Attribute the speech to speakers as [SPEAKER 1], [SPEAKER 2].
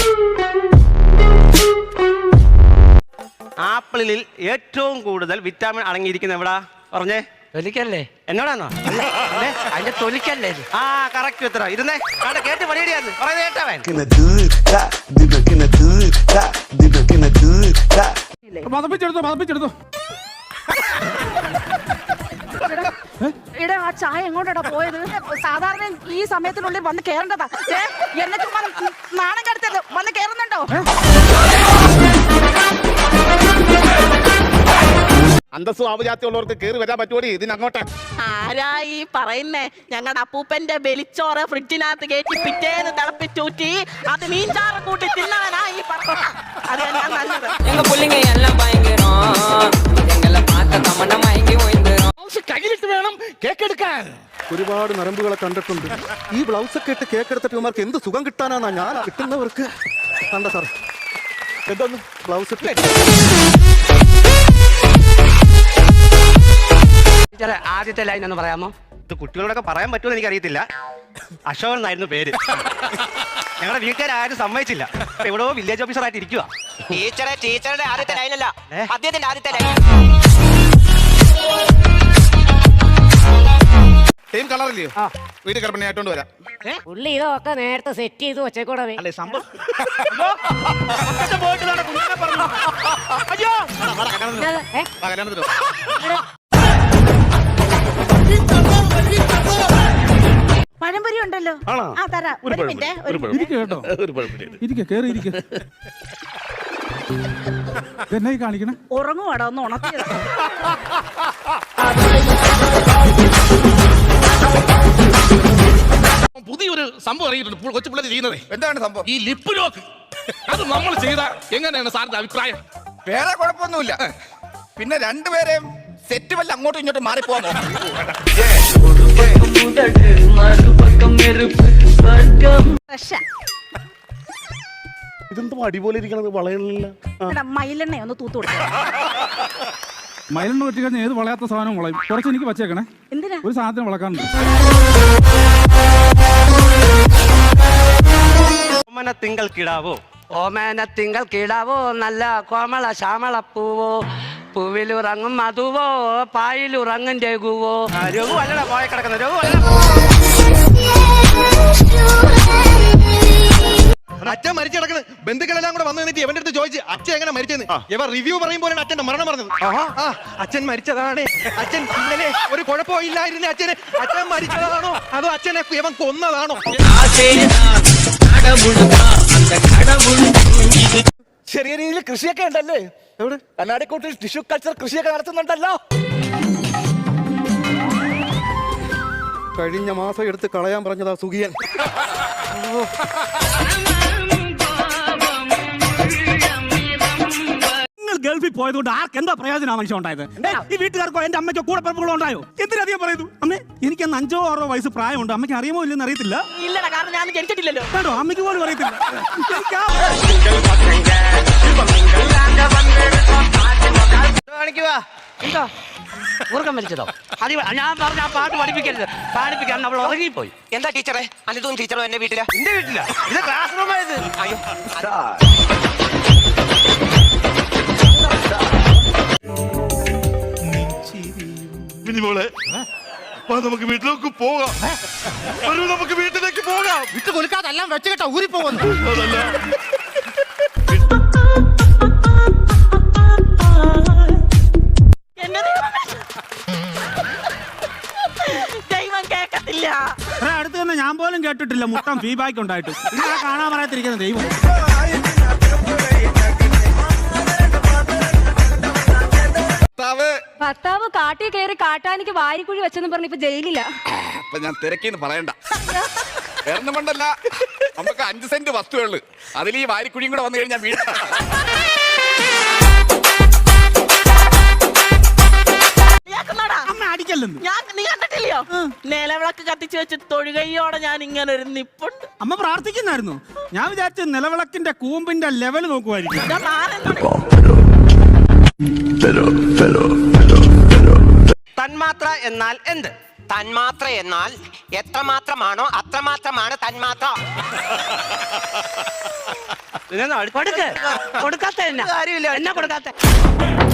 [SPEAKER 1] ആപ്പിളിൽ ഏറ്റവും കൂടുതൽ വിറ്റാമിൻ അടങ്ങിയിരിക്കുന്ന എവിടാ പറഞ്ഞേ?
[SPEAKER 2] തൊലിക്കല്ലേ?
[SPEAKER 1] എന്നോടാണോ?
[SPEAKER 2] അതിന്റെ തൊലിക്കല്ലേ?
[SPEAKER 1] ആ കറക്റ്റ് ഉത്തരം. ഇരുന്നേ കേട്ട് പണിയിടിയാന്ന് പറയുന്നത് കേട്ടവൻ.
[SPEAKER 3] മതപ്പിച്ചെടുത്തോ
[SPEAKER 4] ആ ചായ എങ്ങോട്ടാ പോയത്? സാധാരണ ഈ സമയത്തിനുള്ളിൽ വന്ന് കേറേണ്ടതാ. എന്നിട്ട് നാണം കടത്തത് വന്ന് കേറുന്നുണ്ടോ?
[SPEAKER 3] അന്തസ്സും ആവുജാത്യമുള്ളവർക്ക് കയറി വരാൻ പറ്റുമോ ഇതിനങ്ങോട്ട്?
[SPEAKER 5] ആരാ ഈ പറയുന്നേ? ഞങ്ങളുടെ അപ്പൂപ്പന്റെ വെളിച്ചോറ് ഫ്രിഡ്ജിനകത്ത് കയറ്റി പിറ്റേന്ന് തിളപ്പിച്ചൂറ്റി അത് മീൻചാറ് കൂട്ടി തിന്നവനാ ഈ പറഞ്ഞ. അത് ഞാൻ നല്ലത്.
[SPEAKER 3] കയ്യിലിട്ട് വേണം കേക്ക് എടുക്കാൻ. ഒരുപാട് നരമ്പുകളെ കണ്ടിട്ടുണ്ട്. ഈ ബ്ലൗസ് ഒക്കെ ഇട്ട് കേക്ക് എടുത്തിട്ട് ഇവർക്ക് എന്ത് സുഖം കിട്ടാനാണ് ഞാൻ കിട്ടുന്നവർക്ക്. കണ്ട സാർ എന്തൊന്ന് ബ്ലൗസ് ഇട്ട്
[SPEAKER 2] ആദ്യത്തെ ലൈൻ ഒന്ന് പറയാമോ?
[SPEAKER 1] ഇത് കുട്ടികളോടൊക്കെ പറയാൻ പറ്റുമെന്ന് എനിക്കറിയത്തില്ല. അശോകൻ എന്നായിരുന്നു പേര്. ഞങ്ങളുടെ വീട്ടുകാരും സമ്മതിച്ചില്ല. എവിടെയോ വില്ലേജ് ഓഫീസർ ആയിട്ട് ഇരിക്കുക.
[SPEAKER 6] ടീച്ചറുടെ ആദ്യത്തെ ലൈനല്ല, അദ്ദേഹത്തിന്റെ ആദ്യത്തെ ലൈൻ.
[SPEAKER 3] സെയിം കളറില്ലയോ? വീട്ടിൽ കിടപ്പണി ആയിട്ടോണ്ട് വരാം.
[SPEAKER 7] പുള്ളി ഇതൊക്കെ നേരത്തെ സെറ്റ് ചെയ്ത് വെച്ചേക്കൂടെ?
[SPEAKER 1] അല്ലേ സംഭവം?
[SPEAKER 4] പഴംപൊരി ഉണ്ടല്ലോ. ആ തരാം. ഒരു മിനിറ്റ്.
[SPEAKER 3] എന്നായി കാണിക്കണം?
[SPEAKER 4] ഉറങ്ങുവാടാ, ഒന്ന് ഉണർത്തിയത്.
[SPEAKER 8] പുതിയൊരു സംഭവം അറിയിട്ടുണ്ട് കൊച്ചു പിള്ളേർ ചെയ്യുന്നത്.
[SPEAKER 3] എന്താണ് സംഭവം?
[SPEAKER 8] ഈ ലിപ്പ് ലോക്ക്. അത് നമ്മൾ ചെയ്ത എങ്ങനെയാണ് സാറിന്റെ അഭിപ്രായം?
[SPEAKER 3] വേറെ കുഴപ്പമൊന്നുമില്ല. പിന്നെ രണ്ടുപേരെയും സെറ്റ് വല്ല അങ്ങോട്ടും ഇങ്ങോട്ടും മാറിപ്പോവാൻ ഇതെന്തോ അടിപൊളി ഇരിക്കണത്. വളയണില്ല.
[SPEAKER 4] മയിലെണ്ണ ഒന്ന് തൂത്തു കൊടുക്കുക.
[SPEAKER 9] മയിലെണ്ണ വെച്ച് കഴിഞ്ഞാൽ ഏത് വളയാത്ത സാധനം വളയും. കുറച്ച് എനിക്ക് വച്ചേക്കണേ.
[SPEAKER 4] എന്തിനാ?
[SPEAKER 9] ഒരു സാധനം വളക്കാനുണ്ട്.
[SPEAKER 1] ഓമന തിങ്കൾ കിടാവോ?
[SPEAKER 2] ഓമേന തിങ്കൾ കിടാവോ, നല്ല കോമള ശ്യാമള പൂവോ, പൂവിലുറങ്ങും മധുവോ, പായിലുറങ്ങും രഘുവോ.
[SPEAKER 1] രഘു അല്ലടാ പോയ കിടക്കുന്ന രഘു അല്ല.
[SPEAKER 8] അച്ഛൻ മരിച്ചു കിടക്കുന്ന ബന്ധുക്കളെല്ലാം കൂടെ വന്നു നിന്നിട്ട് ഇവന്റെ അടുത്ത് ചോദിച്ചു അച്ഛൻ എങ്ങനെ മരിച്ചെന്ന്. ഇവ റിവ്യൂ പറയുമ്പോഴാണ് അച്ഛന്റെ മരണം പറഞ്ഞത്. അച്ഛൻ മരിച്ചതാണ്. അച്ഛൻ ഇന്നലെ ഒരു കുഴപ്പമില്ലായിരുന്നു. അച്ഛൻ മരിച്ചതാണോ അതോ അച്ഛനെ ഇവൻ കൊന്നതാണോ?
[SPEAKER 3] ചെറിയ രീതിയിൽ കൃഷിയൊക്കെ ഉണ്ടല്ലേ? എവിടെ? കണ്ണാടിക്കൂട്ടിൽ ടിഷ്യൂ കൾച്ചർ കൃഷിയൊക്കെ നടത്തുന്നുണ്ടല്ലോ. കഴിഞ്ഞ മാസം എടുത്ത് കളയാൻ പറഞ്ഞതാ സുഖിയൻ.
[SPEAKER 9] ഗൾഫിൽ പോയതുകൊണ്ട് ആർക്ക് എന്താ പ്രയോജനം മനുഷ്യ ഉണ്ടായത്? ഈ വീട്ടുകാർക്കോ എന്റെ അമ്മയ്ക്കോ കൂടെ പിറപ്പുകളോ ഉണ്ടായോ? എന്തിനധികം പറയുന്നു? അമ്മേ എനിക്ക് അന്ന് 5 or 6 വയസ്സ് പ്രായമുണ്ട്. അമ്മയ്ക്ക് അറിയുമോ ഇല്ലെന്ന് അറിയത്തില്ല.
[SPEAKER 5] ഇല്ലടാ, കാരണം ഞാൻ ജനിച്ചിട്ടില്ലല്ലോ.
[SPEAKER 9] കേട്ടോ, അമ്മയ്ക്ക് പോലും അറിയത്തില്ല.
[SPEAKER 2] എന്തോ ഉറക്കം വലിച്ചതോ? ഞാൻ പറഞ്ഞ ആ പാട്ട് പഠിപ്പിക്കരുത്. പാടിപ്പിക്കാൻ നമ്മൾ ഉറങ്ങിപ്പോയി.
[SPEAKER 6] എന്താ ടീച്ചറെ? അനിതും ടീച്ചറും എന്റെ വീട്ടിലാ.
[SPEAKER 1] എന്റെ വീട്ടില ഇത് ക്ലാസ് റൂം ആയത്.
[SPEAKER 6] അയ്യോ,
[SPEAKER 8] മിനിമോളെ നമുക്ക് വീട്ടിലേക്ക് പോകാം. നമുക്ക് വീട്ടിലേക്ക് പോകാം.
[SPEAKER 3] വിട്ട് കൊടുക്കാതെല്ലാം വെച്ച് കേട്ടോ ഊരി പോകുന്നു.
[SPEAKER 5] ദൈവം കേക്കത്തില്ല.
[SPEAKER 9] അടുത്ത് തന്നെ ഞാൻ പോലും കേട്ടിട്ടില്ല മുട്ടം ഫീഡ്ബാക്ക് ഉണ്ടായിട്ട്. ഇങ്ങനെ കാണാൻ പറയാത്തിരിക്കുന്ന ദൈവം.
[SPEAKER 7] ഭർത്താവ് കാട്ടിൽ കയറി കാട്ടാനിക്ക് വാരിക്കുഴി വെച്ചെന്ന് പറഞ്ഞ് ഇപ്പൊ ജയിലില്ല.
[SPEAKER 3] അപ്പൊ ഞാൻ തിരക്കിന്ന് പറയണ്ട. വേറെ കൊണ്ടല്ല, നമുക്ക് 5 സെന്റ് വസ്തുവുള്ളു. അതിൽ ഈ വാരിക്കുഴിയും കൂടെ വന്നു കഴിഞ്ഞാൽ വീട്
[SPEAKER 5] നീ കണ്ടിട്ടില്ലയോ? നിലവിളക്ക് കത്തിച്ചു വെച്ച് തൊഴുകയോടെ ഞാൻ ഇങ്ങനെ ഒരു നിപ്പുണ്ട്.
[SPEAKER 9] അമ്മ പ്രാർത്ഥിക്കുന്നായിരുന്നു. ഞാൻ വിചാരിച്ച നിലവിളക്കിന്റെ കൂമ്പിന്റെ ലെവൽ നോക്കുമായിരിക്കും.
[SPEAKER 1] തന്മാത്ര എന്നാൽ എന്ത്?
[SPEAKER 6] തന്മാത്ര എന്നാൽ എത്രമാത്രമാണോ അത്രമാത്രമാണ് തന്മാത്ര.
[SPEAKER 1] ഇതിനൊന്നും അടുത്ത്
[SPEAKER 2] കൊടുക്ക് കൊടുക്കാത്ത എന്നാ
[SPEAKER 1] കാര്യമില്ല.
[SPEAKER 2] എന്നാ കൊടുക്കാത്ത